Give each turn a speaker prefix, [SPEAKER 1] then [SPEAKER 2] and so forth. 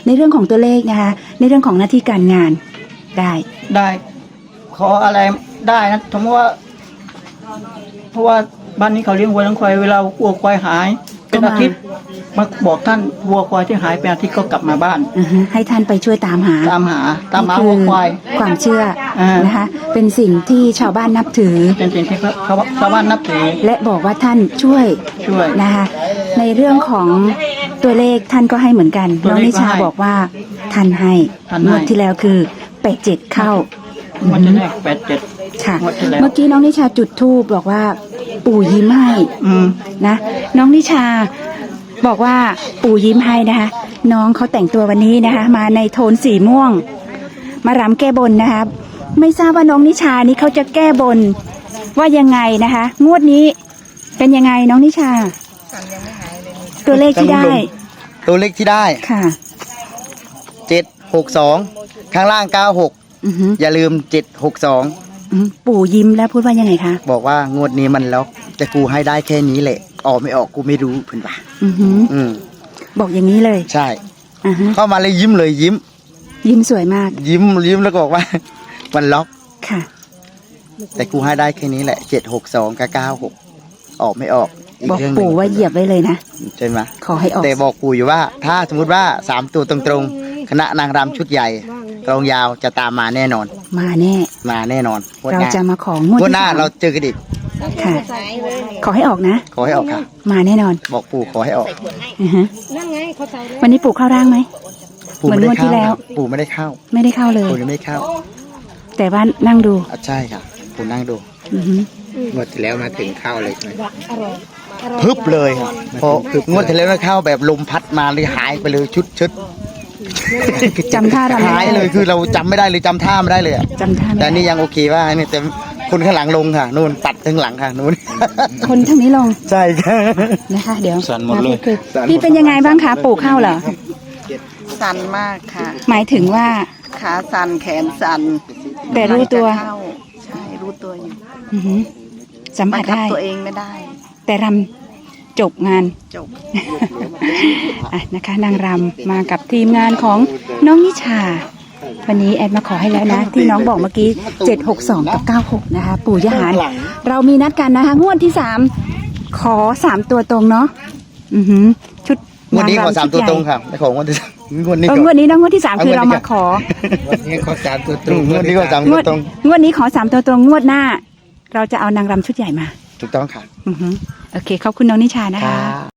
[SPEAKER 1] ในเรื่องของตัวเลขนะคะในเรื่องของหน้าที่การงานได้
[SPEAKER 2] ขออะไรได้นะสมมติว่าเพราะว่าบ้านนี้เขาเลี้ยงวัวเลี้ยงควายเวลาวัวควายหายเป็นอาทิตย์มาบอกท่านวัวควายที่หายเป็นอาทิตย์ก็กลับมาบ้าน
[SPEAKER 1] ให้ท่านไปช่วยตามหา
[SPEAKER 2] วัวควาย
[SPEAKER 1] ความเชื่อนะคะเป็นสิ่งที่ชาวบ้านนับถือ
[SPEAKER 2] เป็นสิ่งที่ชาวบ้านนับถือ
[SPEAKER 1] และบอกว่าท่านช่วยนะคะในเรื่องของตัวเลขท่านก็ให้เหมือนกันน้องนิชาบอกว่าท่านให้งวดที่แล้วคือ87เข้าง
[SPEAKER 2] วดแรก87
[SPEAKER 1] ค่ะเมื่อกี้น้องนิชาจุดธูปบอกว่าปู่ยิ้มให้นะน้องนิชาบอกว่าปู่ยิ้มให้นะคะน้องเขาแต่งตัววันนี้นะคะมาในโทนสีม่วงมารำแก้บนนะคะไม่ทราบว่าน้องนิชานี้เขาจะแก้บนว่ายังไงนะคะงวดนี้เป็นยังไงน้องนิชาตัวเลขที่ได้
[SPEAKER 3] ค่ะ762ข้างล่าง96อย่าลืม762
[SPEAKER 1] ปู่ยิ้มแล้วพูดว่ายังไงคะ
[SPEAKER 3] บอกว่างวดนี้มันล็อกแต่กูให้ได้แค่นี้แหละออกไม่ออกกูไม่รู้เพิ่นป่ะ
[SPEAKER 1] บอกอย่างนี้เลย
[SPEAKER 3] ใช่เข้ามาเลยยิ้ม
[SPEAKER 1] สวยมาก
[SPEAKER 3] ยิ้มแล้วก็บอกว่ามันล็อก
[SPEAKER 1] ค่ะ
[SPEAKER 3] แต่กูให้ได้แค่นี้แหละ762กับ96ออกไม่ออก
[SPEAKER 1] บอกปู่ว่าเหยียบไว้เลยนะ
[SPEAKER 3] ใช่ไหม
[SPEAKER 1] ขอให้ออก
[SPEAKER 3] แต่บอกปู่อยู่ว่าถ้าสมมติว่า3ตัวตรงๆคณะนางรำชุดใหญ่กลองยาวจะตามมาแน่นอน
[SPEAKER 1] มาแน่
[SPEAKER 3] นอน
[SPEAKER 1] เราจะมาของวด
[SPEAKER 3] หน้าเราเจอกันอีก
[SPEAKER 1] ค่ะขอให้ออกนะ
[SPEAKER 3] ขอให้ออกค่ะ
[SPEAKER 1] มาแน่นอน
[SPEAKER 3] บอกปู่ขอให้ออก
[SPEAKER 1] วันนี้ปู่เข้าร่างไหม
[SPEAKER 3] เหมือนงวดที่แล้วปู่ไม่ได้เข้า
[SPEAKER 1] เลย
[SPEAKER 3] ปู่ยังไม่เข้า
[SPEAKER 1] แต่ว่านั่งดู
[SPEAKER 3] ใช่ค่ะปู่นั่งดู
[SPEAKER 4] งวดที่แล้วมาถึงเข้าเลยใช่ไหม
[SPEAKER 3] พึบเลยพองวดที่แล้วเข้าแบบลมพัดมาเลยหายไปเลยชุด
[SPEAKER 1] จำท่ารำ
[SPEAKER 3] หายเลยคือเราจำไม่ได้เลยจำท่าไม่ได้เลย
[SPEAKER 1] จำท่า
[SPEAKER 3] แต่นี่ยังโอเคว่าเนี่ยแต่คนข้างหลังลงค่ะนู่นตัดข้างหลังค่ะนู่น
[SPEAKER 1] คนทั้งนี้ลง
[SPEAKER 3] ใช่ค่ะ
[SPEAKER 1] นะคะเดี๋ยว
[SPEAKER 4] สั่นหมดเลย
[SPEAKER 1] พี่เป็นยังไงบ้างคะปู่เข้าเหรอ
[SPEAKER 5] สั่นมากค่ะ
[SPEAKER 1] หมายถึงว่า
[SPEAKER 5] ขาสั่นแขนสั่น
[SPEAKER 1] แต่รู้ตัว
[SPEAKER 5] ใช่รู้ตัวอยู่
[SPEAKER 1] สัมผัสได้
[SPEAKER 5] ตัวเองไม่ได้
[SPEAKER 1] แต่รำจบงานนะคะนางรำมากับทีมงานของน้องนิชาวันนี้แอดมาขอให้แล้วนะที่น้องบอกเมื่อกี้762กับ96นะคะปู่ยะหารเรามีนัดกันนะคะงวดที่3ขอ3ตัวตรงเนาะชุด
[SPEAKER 3] งวดนี้ขอ3ตัวตรงค่ะไม่ของงวดที่3งวดนี้
[SPEAKER 1] นะงวดที่3คือเรามาขอ
[SPEAKER 4] วันนี้ขอ3ตัวตรง
[SPEAKER 3] งวดนี้ขอ3ตัวตรง
[SPEAKER 1] งวดนี้ขอ3ตัวตรงงวดหน้าเราจะเอานางรำชุดใหญ่มา
[SPEAKER 3] ถูกต้องค่ะ
[SPEAKER 1] โอเคขอบคุณน้องนิชานะคะ